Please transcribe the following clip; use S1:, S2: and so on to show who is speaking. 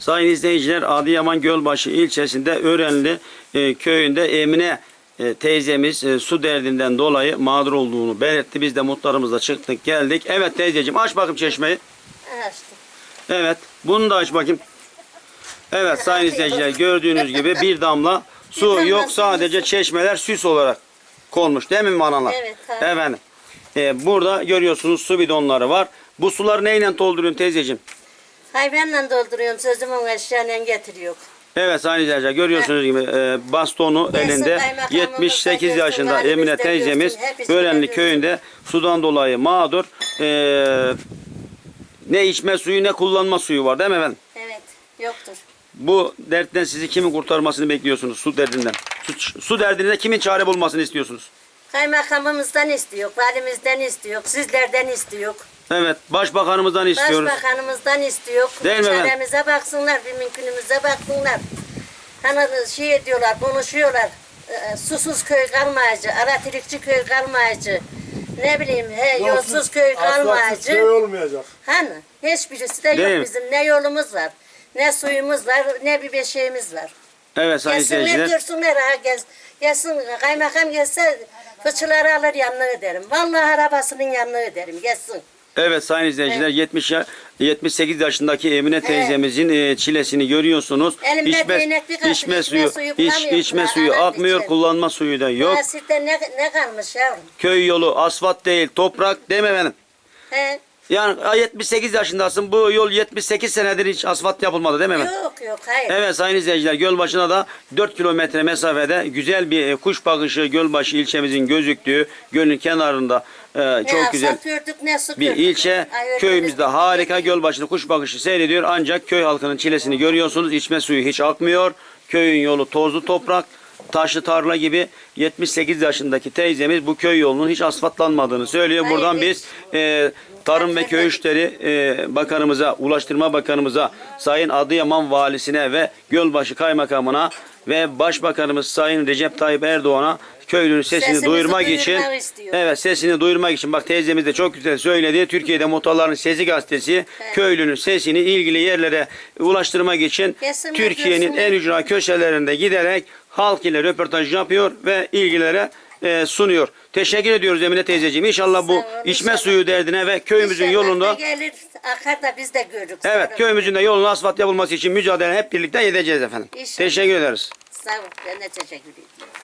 S1: Sayın izleyiciler, Adıyaman Gölbaşı ilçesinde Örenli köyünde Emine teyzemiz su derdinden dolayı mağdur olduğunu belirtti. Biz de muhtarımızla çıktık geldik. Evet teyzeciğim, aç bakayım çeşmeyi.
S2: Açtım.
S1: Evet, bunu da aç bakayım. Evet sayın izleyiciler, gördüğünüz gibi bir damla su yok, sadece çeşmeler süs olarak konmuş değil mi analar?
S2: Evet, tabii.
S1: Efendim. Burada görüyorsunuz su bidonları var. Bu suları neyle dolduruyorsun teyzeciğim?
S2: Hayvanla dolduruyorum, sözümün eşyayla getiriyor.
S1: Evet sayın izleyiciler, görüyorsunuz gibi bastonu
S2: Gelsin
S1: elinde
S2: kaymakamımız
S1: 78
S2: da
S1: yaşında
S2: görsün,
S1: Emine
S2: halimiz de
S1: teyzemiz
S2: görsün, hepsi
S1: Örenli
S2: görsün.
S1: köyünde sudan dolayı mağdur. Ne içme suyu ne kullanma suyu var değil mi efendim?
S2: Evet, yoktur.
S1: Bu dertten sizi kimin kurtarmasını bekliyorsunuz, su derdinden? Su derdinde kimin çare bulmasını istiyorsunuz?
S2: Kaymakamımızdan istiyor, valimizden istiyor, sizlerden istiyor.
S1: Evet, başbakanımızdan istiyoruz.
S2: Başbakanımızdan istiyor.
S1: Değil mi efendim?
S2: Çaremize baksınlar, bir mümkünümüze baksınlar. Hani şey ediyorlar, konuşuyorlar. Susuz köy kalmayıcı, aratirikçi köy kalmayıcı. Ne bileyim, yolsuz köy kalmayıcı.
S3: Köy olmayacak.
S2: Hani hiçbirisi de
S1: Değil mi?
S2: yok bizim. Ne yolumuz var, ne suyumuz var, ne bir beşiğimiz var.
S1: Evet sayın
S2: Gelsinler
S1: izleyiciler.
S2: görsünler ha, gelsin kaymakam gelse fıçıları alır yanına öderim. Vallahi arabasının yanına öderim, gelsin.
S1: Evet sayın izleyiciler, 78 yaşındaki Emine teyzemizin çilesini görüyorsunuz.
S2: Elimde değnek bir kaşık
S1: içme suyu
S2: bulamıyorum.
S1: içme suyu
S2: Aman
S1: akmıyor,
S2: içerim.
S1: kullanma suyu da yok.
S2: Nasipte ne kalmış yavrum?
S1: Köy yolu asfalt değil, toprak değil mi efendim?
S2: He?
S1: Yani 78 yaşındasın, bu yol 78 senedir hiç asfalt yapılmadı değil mi efendim?
S2: Yok hayır.
S1: Evet sayın izleyiciler, Gölbaşı'na da 4 kilometre mesafede güzel bir kuş bakışı Gölbaşı ilçemizin gözüktüğü gölün kenarında çok güzel
S2: asfalt gördük, ne su
S1: bir
S2: gördük.
S1: ilçe.
S2: Ay, öyle
S1: Köyümüzde
S2: bir-
S1: harika Gölbaşı'nda kuş bakışı seyrediyor, ancak köy halkının çilesini görüyorsunuz. İçme suyu hiç akmıyor. Köyün yolu tozlu toprak, taşlı tarla gibi. 78 yaşındaki teyzemiz bu köy yolunun hiç asfaltlanmadığını söylüyor.
S2: Hayır,
S1: Buradan
S2: hiç.
S1: biz Tarım ve Köy İşleri Bakanımıza, Ulaştırma Bakanımıza, Sayın Adıyaman Valisine ve Gölbaşı Kaymakamına ve Başbakanımız Sayın Recep Tayyip Erdoğan'a köylünün sesini
S2: Sesimizi
S1: duyurmak için,
S2: duyurmak istiyor.
S1: evet sesini duyurmak için, bak teyzemiz de çok güzel söyledi. Türkiye'de Muhtarların Sesi gazetesi köylünün sesini ilgili yerlere ulaştırmak için
S2: Gelsinler,
S1: Türkiye'nin
S2: görsünler.
S1: en ücra köşelerinde giderek halk ile röportaj yapıyor ve ilgilere sunuyor. Teşekkür ediyoruz Emine teyzeciğim. İnşallah bu
S2: Sağ ol,
S1: içme
S2: inşallah.
S1: suyu derdine ve köyümüzün
S2: İnşallah
S1: yolunda,
S2: da gelir, akar da biz de görürüz.
S1: evet köyümüzün de yolunun asfalt yapılması için mücadele hep birlikte edeceğiz efendim.
S2: İnşallah.
S1: Teşekkür ederiz.
S2: Sağ ol, ben de teşekkür ederim.